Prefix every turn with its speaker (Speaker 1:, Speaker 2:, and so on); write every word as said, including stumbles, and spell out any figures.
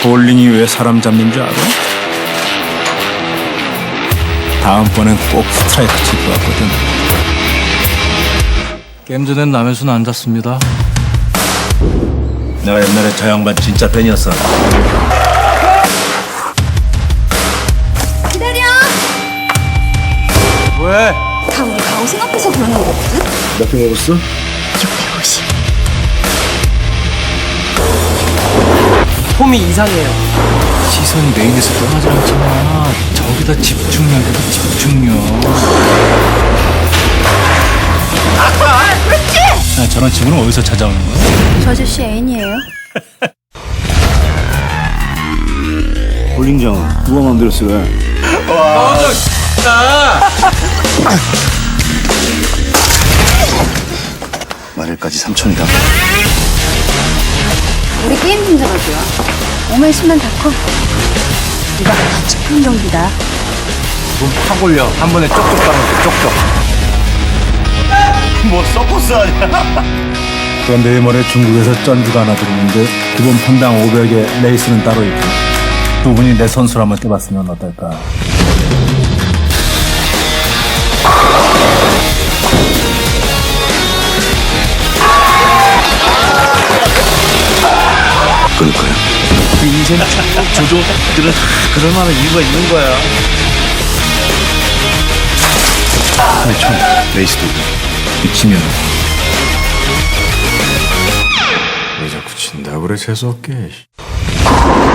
Speaker 1: 볼링이 왜 사람 잡는 줄 알아? 다음번엔 꼭 스트라이크 칠 것 같거든.
Speaker 2: 게임 전엔 남의 손 안 잡습니다.
Speaker 1: 내가 옛날에 저 양반 진짜 팬이었어.
Speaker 3: 기다려!
Speaker 2: 왜?
Speaker 3: 다 우리 가오 생각해서 그러는 거거든?
Speaker 1: 몇 개 먹었어?
Speaker 3: 육백오십.
Speaker 4: 폼이 이상해요.
Speaker 2: 시선이 메인에서 떠나지 않잖아. 저기다 집중력이다, 집중력. 아, 저런 친구는 어디서 찾아오는 거야?
Speaker 3: 저 아저씨 애인이에요.
Speaker 1: 볼링장 누가 만들었어? 왜? 마늘까지 삼천이다.
Speaker 3: 우리 게임 팀장을 좋아. 오면 십만 다 커. 이거 십 분 경기다.
Speaker 2: 몸팍 올려. 한 번에 쪽쪽 가는 거, 쪽쪽.
Speaker 1: 뭐 서커스 아니야? 그런데 이번에 중국에서 쩐주가 하나 들어오는데 기본 판당 오백에 레이스는 따로 있고 두 분이 내 선수를 한번 떼봤으면 어떨까? 끊을 거야.
Speaker 2: 그 인생 조조들은 그럴 만한 이유가 있는 거야.
Speaker 1: 아니 참 레이스도 미치면
Speaker 5: 왜 자꾸 친다고 그래 재수없게.